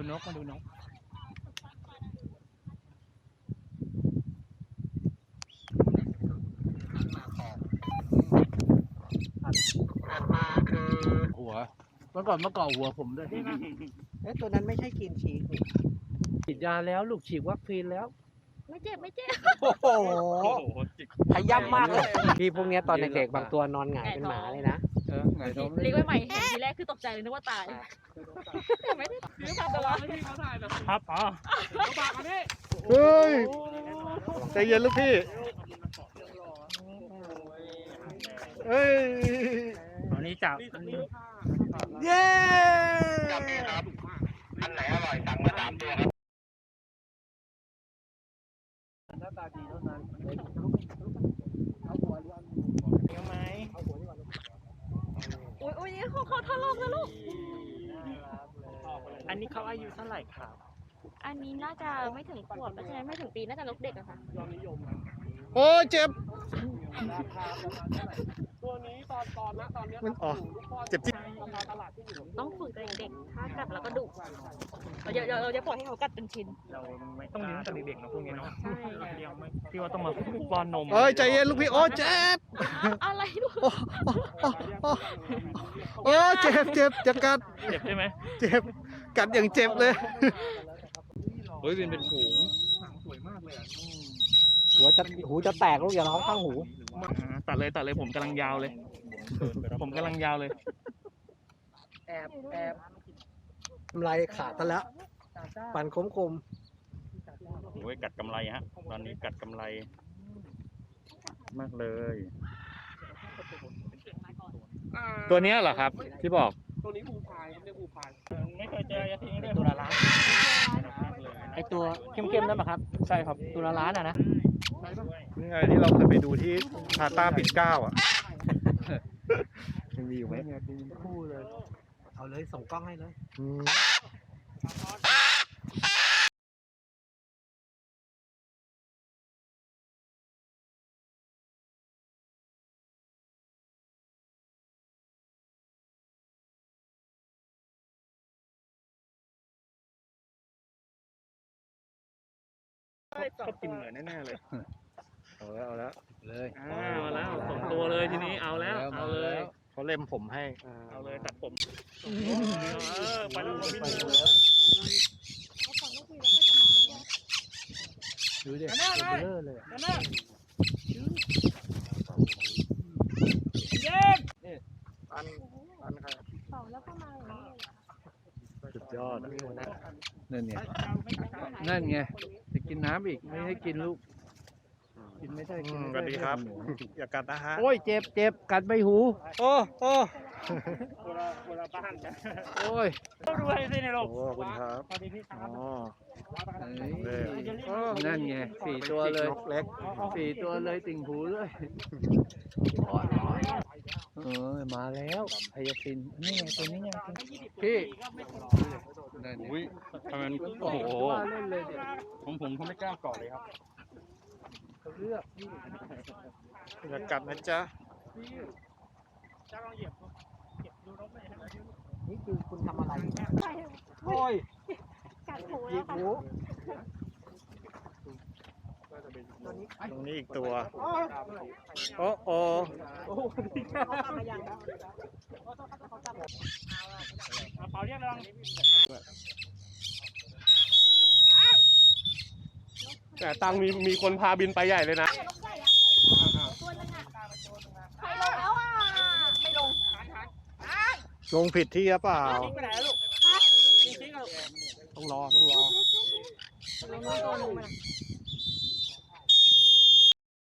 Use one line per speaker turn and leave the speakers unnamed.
นกมาดูนกมาคือหัวเมื่อก่อนหัวผมด้วย
ตัวนั้นไม่ใช่กินฉีก
ฉีดยาแล้วลูกฉีดวัคซีนแล้ว
ไม่เจ็บ
โอ้โหพยายามมากเลยพี่พวกนี้ตอนเด็กๆบางตัวนอนหงายเป็นหมาเลยนะ
หงายท้อง
เลี้ยงไว้ใหม่เห็นทีแรกคือตกใจเลยนึกว่าตายไม่ได้ซื้อมาแต่ว่า
ครับอ๋อ
เฮ้ยใจเย็นลูกพี่เฮ้ย
อันนี้จับ
เย้
จับนี่ครับอันไหนอร่อยสั่งมา3 ตัวครับ
หน้าตาดีเท่านั้นเดี๋ยวไหม
อุ้ยนี่เขาทะเลาะกันลูก
อันนี้เขาอายุเท่าไหร่ครับ
อันนี้น่าจะไม่ถึงขวบเพราะฉะนั้นไม่ถึงปีน่าจะลูกเด็กอะค่ะ
โอ้เจ็บ
ตัวนี้ตอนนี้
มันอ๋อเจ็บที่
ต้องฝึกเด็กๆถ้ากัดแล้วก็ดุเราจะปล่อยให้เขากัดเป็นชิ้น
เราไม่ต้องเลี้ยงแต่เด็กๆนะพวกนี้เนาะใช่เลี้ยงไม่ที่ว่าต้องมาป้อนนม
เอ้ยใจเย็นลูกพี่โอ้เจ็บ
อะไรลูก
โอ้เจ็บจะกัด
เจ็บใช่ไหม
เจ็บกัดอย่างเจ็บเลย
เฮ้ยเป็นฝูงสวยมากเลย
หูจะแตกลูกอย่าร้องข้างหู
ตัดเลยผมกำลังยาวเลยแอบ
กำไรขาดซะแล้วปั่นคม
โอ้ยกัดกำไรฮะตอนนี้กัดกำไรมากเลยตัวนี้เหรอครับที่บอก
ตัวนี้ภูพายเรียกภูพาย
ไม่เคยเจอยาทิ้งได้ตัวละล้านไอตัวเข้มๆนั่นป่ะครับใช่ครับตัวละล้านอ่ะนะ
นี่ไงที่เราเคยไปดูที่พาต้าปิ่นเกล้าอ่ะยังมีอยู่ไหม
คู่เลย
เอาเลยส่งกล้องให้เลย
ก็กินเหมือนแน่ๆเลย
เอาแล้ว
เลยเอาแล้ว2 ตัวเลยทีนี้เอาเลย
เขาเล็มผมให้
เอาเลยตัดผมไปแล้ว
ดูดิเบลอเลยปันครับสุดยอดนั่นไงจะกินน้ำอีกไม่ให้กินลูกกินไม่ได้
สวัสดีครับอย่ากัดนะฮะ
โอ้ยเจ็บกัดใบหูโอ้
เวลาบ้านกัน
โอ้ย
ต้องดูให้สิในโลก
ขอบคุณครับ
สวัสดีพี่ครับ
นั่นไง4 ตัวเลยเล็ก4 ตัวเลยติ่งหูเลยมาแล้วไฮยาซินนี่ไงตัวนี้ไงพี่
อุ้ยทำไมโอ้โหผมเขาไม่กล้าเกาะเลยครับ
เลือกอย่ากัดนะจ๊ะนี่คือคุณทำอะไรโอ้ย
กัดหู
หยิบหูตรงนี้อีกตัวโอ้
เปล่าเรียกลอง
แต่ตังมีคนพาบินไปใหญ่เลยนะ
ลงผิดที่หรือเปล่าต้องรอ